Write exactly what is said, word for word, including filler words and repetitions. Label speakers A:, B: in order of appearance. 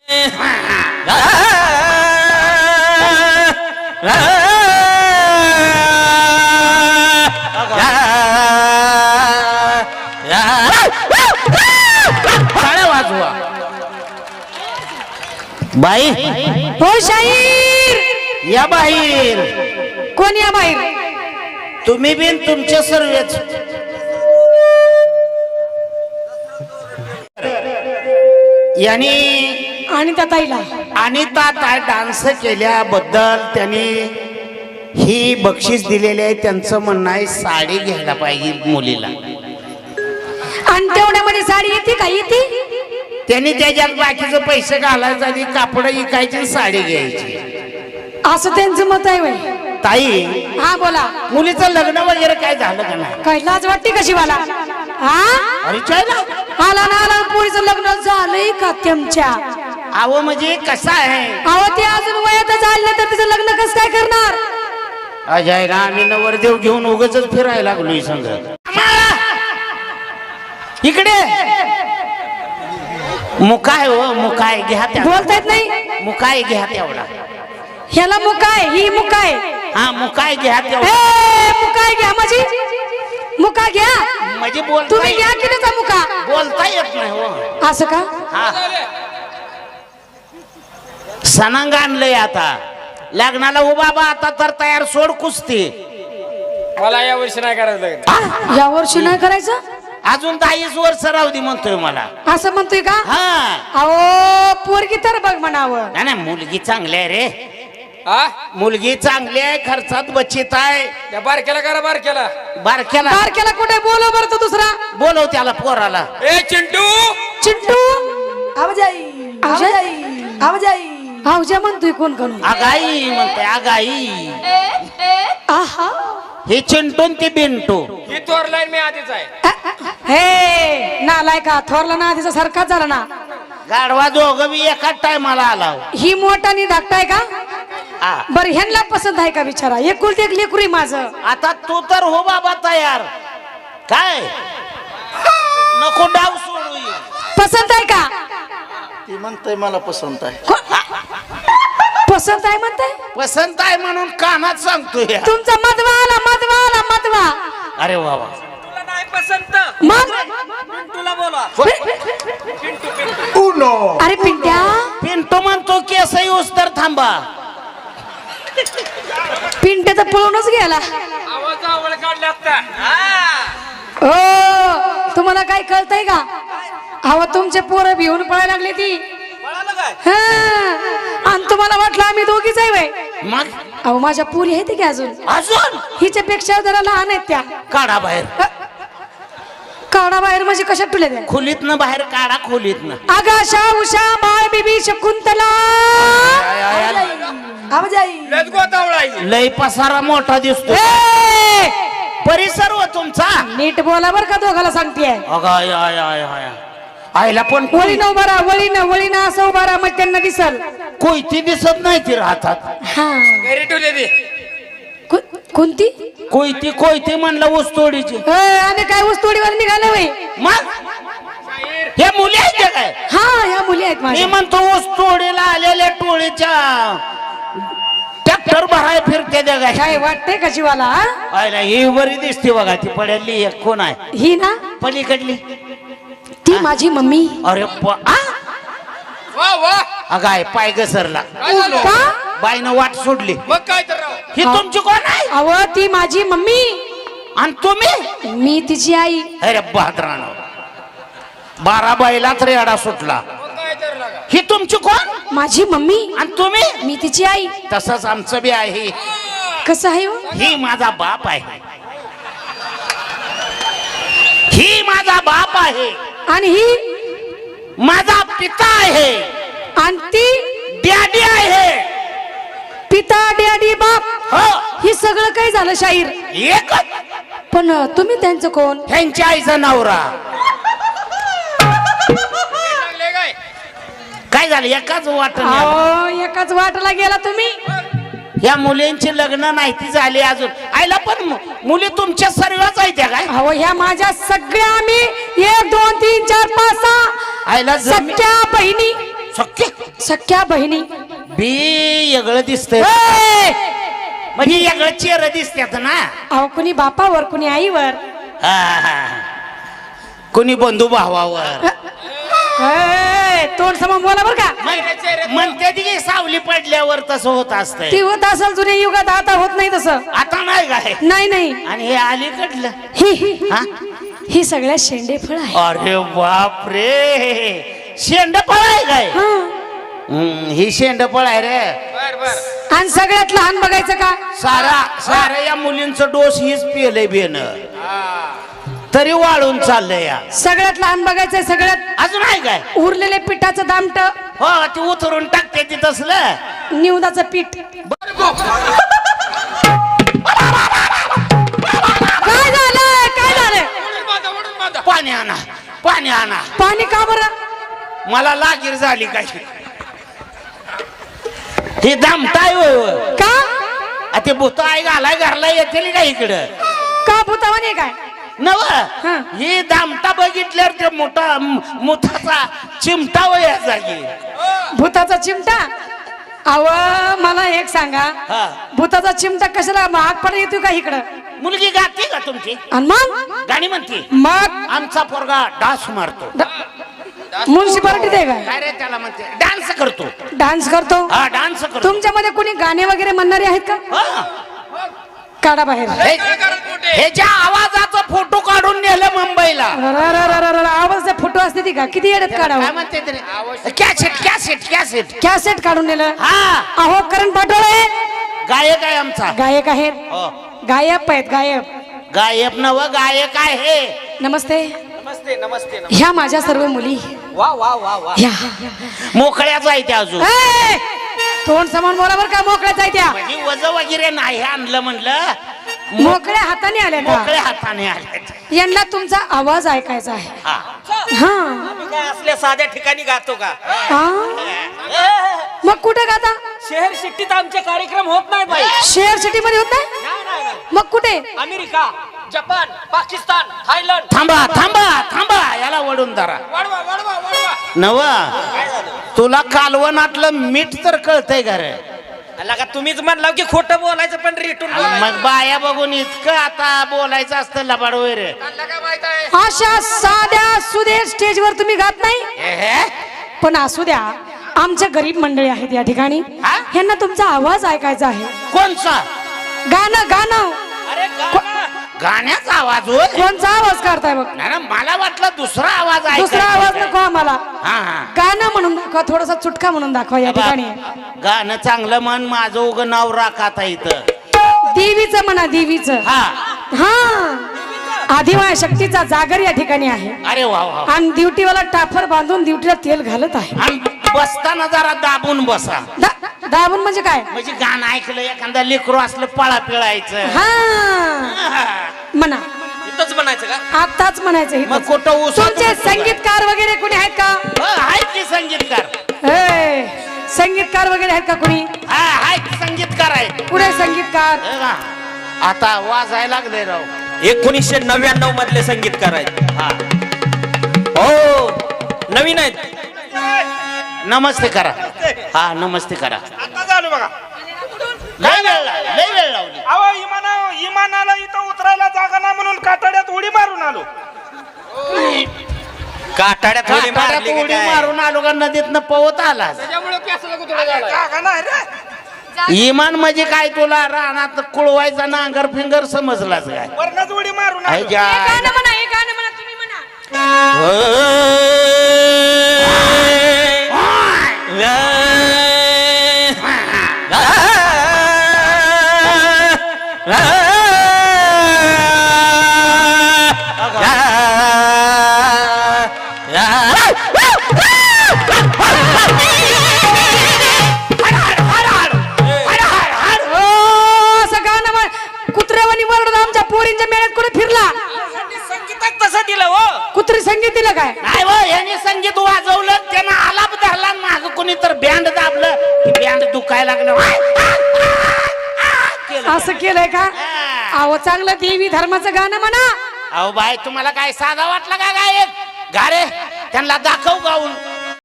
A: वाजवा बाई
B: हो शाहीर
A: या बाहेर
B: कोण या बाहेर
A: तुम्ही बिन तुमचे सर्वच यांनी
B: आणि त्या ताईला
A: अनिता ताई डान्स केल्याबद्दल त्यांनी ही बक्षीस दिलेली आहे. त्यांचं म्हणणं आहे साडी घ्यायला पाहिजे मुलीला.
B: आणि तेवढ्यामध्ये साडी येते का येते?
A: त्यांनी त्याच्यात बाकीचे पैसे घालायचे आणि कापड विकायची साडी घ्यायची
B: असं त्यांचं मत आहे वय.
A: ताई
B: हा बोला.
A: मुलीचं लग्न वगैरे काय झालं का नाही?
B: काय लाज वाटते कशी मला? हा
A: अरे चायला
B: आला ना आला पोरीचं लग्न झालंय का तुमच्या?
A: अहो म्हणजे कसं आहे
B: अहो ते अजून वयातच आलं नाही तर तिचं लग्न कसं काय करणार?
A: अजय ना आम्ही नवरदेव घेऊन उगाच फिरायला लागलोय संग. इकडे मुकाय हो मुकाय घ्या त्या
B: बोलता येत नाही.
A: मुकाय घ्या तेवढा.
B: ह्याला मुकाय ही मुकाय.
A: हा मुकाय घ्या तेवढा.
B: ए मुकाय घ्या माझी मुका घ्या
A: म्हणजे बोल
B: तुम्ही घ्या की त्याचा मुका
A: बोलता येत नाही हो.
B: असं का?
A: हा सणांग आणलंय आता लग्नाला उभा बा आता तर तयार सोड कुस्ती.
C: मला या वर्षी नाही करायचं लग्न.
B: या वर्षी नाही करायचं
A: अजून दहाच वर्ष राहू दे म्हणतोय मला.
B: असं म्हणतोय का?
A: हा
B: अहो पोरगी तर बघ म्हणावं.
A: नाही नाही मुलगी चांगली आहे रे.
C: हा
A: मुलगी चांगली आहे खर्चात बचत आहे.
C: या बारक्याला करा बारक्याला.
A: बारक्याला
B: बारक्याला कुठे बोलव बरं तो दुसरा
A: बोलव त्याला पोराला.
C: ए चिंटू
B: चिंटू आवाजाई आवाजाई आवाजाई आवाजा म्हणतोय कोण करून?
A: आगाई म्हणते आगाई.
B: आहा
A: हे चिंटून ते बिंटू.
C: ही तोर लाईन मी आधीच आहे.
B: हे नालाय का थोरला ना आधीचा सारखाच झाला ना.
A: गाढवा दोघं बी एकाच टायमाला आला.
B: ही मोठानी धाकटाय का?
A: हा.
B: बर ह्यांना पसंत आहे का विचारा. एकुलती एक लेकरू आहे माझं.
A: आता तू तर हो बाबा तयार काय नको डाव सोडू.
B: पसंत आहे का?
A: ती म्हणतोय मला पसंत आहे.
B: पसंत आहे म्हणताय?
A: पसंत आहे म्हणून कानात सांगतोय.
B: तुमचा मतवा आला मतवा आला मतवा.
A: अरे बाबा
C: तुला नाही पसंत
B: मग
C: तुला बोला.
B: अरे पिंट्या
A: पिंटू म्हणतो केस येऊस तर थांबा.
B: पिंट्या तर पळूनच गेला.
C: आवाज आवड काढला आता.
B: हो तुम्हाला काय कळतंय का? अहो तुमचे पोरं भिवून पळायला लागले ती. हा आणि तुम्हाला वाटलं आम्ही दोघीच आहे वय.
A: मग
B: अहो माझ्या पुरी आहेत की अजून.
A: अजून
B: हिच्या पेक्षा जरा लहान आहेत त्या.
A: काढा बाहेर.
B: काढा बाहेर म्हणजे कशात तुला द्या?
A: खोलीत न बाहेर काढा खोलीत न.
B: आगाशा उषा बाळ बेबी शकुंतला आवाजाई.
C: लस गोतावळायची.
A: लय पसारा मोठा दिसतो.
B: ए!
A: परिसर हो तुमचा.
B: नीट बोला बर का दोघाला सांगतेय.
A: अगाय आय आय आय आईला पण
B: वळी न उभारा वळी न वळी न असं उभारा मग त्यांना दिसल.
A: कोयती दिसत नाही ती राहतात.
B: हा
C: घरी ठेवले ते.
B: को- कोणती?
A: कोयती कोयती म्हणलं ऊसतोडीची.
B: ए, आणि काय ऊसतोडीवर निघाले वय?
A: मग हे मुली आहेत का काय?
B: हा ह्या मुली आहेत
A: मी
B: माझ्या.
A: म्हणतो ऊसतोडीला आलेल्या टोळीच्या ट्रॅक्टर भराय फिरते त्या काय
B: काय वाटतंय का जीवाला? हा?
A: आयला ही बरी दिसते बघा. ती पडली एक कोण आहे
B: ही ना
A: पलीकडली
B: ती माझी मम्मी.
A: अरे प- आ?
C: वा वा
A: अगाय पाय घसरला.
C: काय झालं?
B: का?
A: बाईनं वाट सोडली.
C: मग काय तर राव.
A: ही तुमची कोण आहे?
B: अव ती माझी मम्मी.
A: आणि तुम्ही?
B: मी तिची आई.
A: अरे बहादरानो बारा बाईलाच रेडा सुटला.
C: मग काय तर लागा.
A: ही तुमची कोण?
B: माझी मम्मी.
A: आणि तुम्ही?
B: मी तिची आई.
A: तसंच आमचं बी आहे.
B: कसं आहे हो?
A: ही माझा बाप आहे. ही माझा बाप आहे.
B: आणि ही
A: माझा पिता आहे.
B: आणि ती
A: डॅडी आहे.
B: पिता डॅडी बाप
A: हो
B: ही सगळं काय झालं शाहीर?
A: एकच.
B: पण तुम्ही त्यांचं कोण?
A: त्यांच्या आईचा नवरा.
C: लागले काय.
A: काय झालं एकाच वाटण.
B: अहो एकाच वाटला गेला तुम्ही.
A: या मुलींची लग्न नाही ती झाली अजून. आईला पण मु- मुली तुमच्या सर्वच आहेत त्या काय?
B: अहो ह्या माझ्या सगळ्या आम्ही एक दोन तीन चार पाच सहा
A: आईला जमी-
B: सख्या बहिणी.
A: सख्या
B: सख्या बहिणी
A: बी वेगळं दिसतंय
B: ए!
A: म्हणजे वेगळं चेहरा दिसतात ना.
B: अहो कुणी बापावर कुणी आईवर
A: हा, हा. कोणी बंधू भावावर
B: ए, तोंड समोर बोला बर का.
A: म्हणते ती की सावली पडल्यावर तसं होत असतंय.
B: ती होत असेल जुन्या युगात, आता होत नाही तसं.
A: आता नाही काय.
B: नाही नाही
A: आणि हे अलीकडलं
B: ही ही
A: हा?
B: ही सगळ्यात शेंडे फळ आहे.
A: अरे बाप रे, शेंडफळ आहे काय?
B: हा.
A: हम्म, ही शेंडफळ आहे रे.
C: बर बर.
B: आणि सगळ्यात लहान बघायचं का?
A: सारा सारा या मुलींचं डोस हीच पिलंय बेन, तरी वाळून चाललंय या.
B: सगळ्यात लहान बघायचंय. सगळ्यात
A: अजून आहे काय?
B: उरलेले पिठाचं दामट,
A: हो ती उतरून टाकते ती तसलं.
B: निवदाचं पीठ. काय झालं काय झालं?
C: ओढून बांधा, ओढून बांधा.
A: पाणी आणा, पाणी आणा.
B: पाणी का बरं?
A: मला लागीर झाली काय? हे दामटाय होय होय.
B: का
A: आ ते भूत आहे घालाय घरला येतील का इकडं?
B: का भूतावाने काय?
A: नव
B: हा.
A: ही दामटा बघितल्यावर ते मोठा मुठाचा चिमटा वय या जागी.
B: भूताचा चिमटा? अव मला एक सांगा,
A: हा.
B: भूताचा चिमटा कशाला महाग पडा येतो का इकडं?
A: मुलगी गाते का तुमची?
B: आणि मग
A: गाणी म्हणते.
B: मग
A: आमचा पोरगा डान्स मारतो.
B: म्युन्सिपालिटीत आहे काय?
A: काय रे त्याला म्हणते? डान्स करतो.
B: डान्स करतो?
A: हा डान्स करतो.
B: तुमच्यामध्ये कोणी गाणे वगैरे म्हणणारे आहेत का?
A: हा.
B: काढा बाहेर.
A: हे- ह्याच्या आवाजाचा फोटो काढून नेलं मुंबईला.
B: ररररररर, आवाजचा फोटो असते ती का? किती येड्यात
A: काय
B: काढावं?
A: म्हणते ते? Cassette cassette cassette.
B: कॅसेट काढून नेलं.
A: हा
B: अहो करण पाटोळे
A: गायक आहे आमचा.
B: गायक आहेत.
A: हो.
B: गायक आहेत गायक.
A: गायक नव गायक आहे.
B: नमस्ते.
C: नमस्ते नमस्ते.
B: ह्या माझ्या सर्व मुली.
C: वा वा वा वा.
B: ह्या
A: मोकळ्याच आहे त्या अजून.
B: ए! तोंड समान बोलावर का? मोकळ्याच आहे त्या.
A: म्हणजे वज वगैरे नाही आणलं म्हणलं.
B: मोकळ्या हाताने आल्या का?
A: मोकळ्या हाताने आले.
B: यांना तुमचा आवाज ऐकायचा आहे.
A: हा.
B: हा
C: काय असल्या साध्या ठिकाणी गातो का?
B: हा? मग कुठे गाता?
C: शहर सिटीत आमचे कार्यक्रम होत नाही बाई.
B: शेअर सिटी मध्ये होत नाही?
C: नाही, नाही, नाही.
B: मग कुठे?
C: America, Japan, Pakistan, Thailand.
A: थांबा थांबा थांबा याला वडून धरा.
C: वाढवा वाढवा वाढवा.
A: नव तुला कालवणातलं मीठ तर कळतंय का रे?
C: अला का तुम्हीच म्हणला की खोटं बोलायचं पण रिटून
A: मग बाया बघून इतकं आता बोलायचं असतं लबाड वगैरे.
C: काय माहित आहे?
B: अशा साध्या सुदे स्टेजवर तुम्ही गात नाही,
A: एहे?
B: पण असू द्या. आमच्या गरीब मंडळी आहेत या ठिकाणी,
A: हा?
B: ह्यांना तुमचा आवाज ऐकायचा आहे.
A: कोणचा
B: गाणं गाणं
C: अरे गाणं.
A: गाण्याचा आवाज होय?
B: कोणचा आवाज काढताय बघ?
A: नाही ना, मला वाटलं दुसरा आवाज आहे.
B: दुसरा आवाज नको आम्हाला.
A: हा हा.
B: गाणं म्हणून दाखवा, थोडासा चुटका म्हणून दाखवा या ठिकाणी.
A: गाणं चांगलं म्हण. माझं उग नाव राखात इथं.
B: देवीचं म्हणा, देवीचं.
A: हा.
B: हा आदिमाय शक्तीचा जागर या ठिकाणी आहे.
A: अरे वा वा.
B: आणि ड्युटीवाला टाफर बांधून ड्युटीला तेल घालत आहे.
A: आणि बसताना जरा दाबून बसा.
B: दा- दाबून म्हणजे काय?
A: म्हणजे गाणं ऐकलं एखादा लेकरू असलं पळा पिळायचं.
B: हा म्हणा.
C: इथंच म्हणायचं का?
B: आताच म्हणायचं
A: मग
B: इथंच.
A: कुठं ऊसात
B: तुमचे
A: बसलं?
B: संगीतकार वगैरे कोणी आहेत का?
A: हो, आहेत की संगीतकार.
B: ए, संगीतकार वगैरे आहेत का कोणी?
A: हा आहेत संगीतकार आहेत.
B: पुढे संगीतकार.
A: हे का? आता वाजायला लागले राव.
C: एकोणीसशे नव्याण्णव मधले संगीतकार आहेत.
A: हा
C: हो नवीन आहेत.
A: नमस्ते करा. हा नमस्ते करा.
D: आता झालं बघा.
A: लय वेळ ला- लय वेळ लावली.
D: अहो इमाना इमानाला इथं उतरायला जागा ना म्हणून कातड्यात उडी मारून आलो.
C: काटाड्यात उडी
A: काटाड्यात
C: मारली का
A: उडी
C: काय?
A: मारून आलो का नदीतनं पवत आला.
C: त्याच्यामुळे केसाला गुतडा झालाय.
D: जागा नाही रे.
A: इमान म्हणजे काय? तुला रानात कुळवायचा नांगर फिंगर समजलाच काय?
D: वरनच उडी मारून
A: आई
D: आलो.
A: जा.
B: हे गाणं म्हणा, हे गाणं म्हणा, तुम्ही म्हणा. ओ, असं गाणं म्हण. कुत्र्यावानी वरडून आमच्या पोरींच्या मेळ्यात कुठे फिरला?
C: संगीतात तसं दिलं हो.
B: कुत्री संगीत दिलं काय?
A: नाही हो, याने संगीत वाजवलं, त्यानं आलाप धरला, माग कोणी तर बँड दाबलं, बँड दुखायला लागलं. केलं.
B: असं केलंय का?
A: हा.
B: अहो चांगलं देवी धर्माचं गाणं म्हणा.
A: अहो बाय, तुम्हाला काय साधा वाटला का गायक? गारे त्यांना दाखव गाऊन.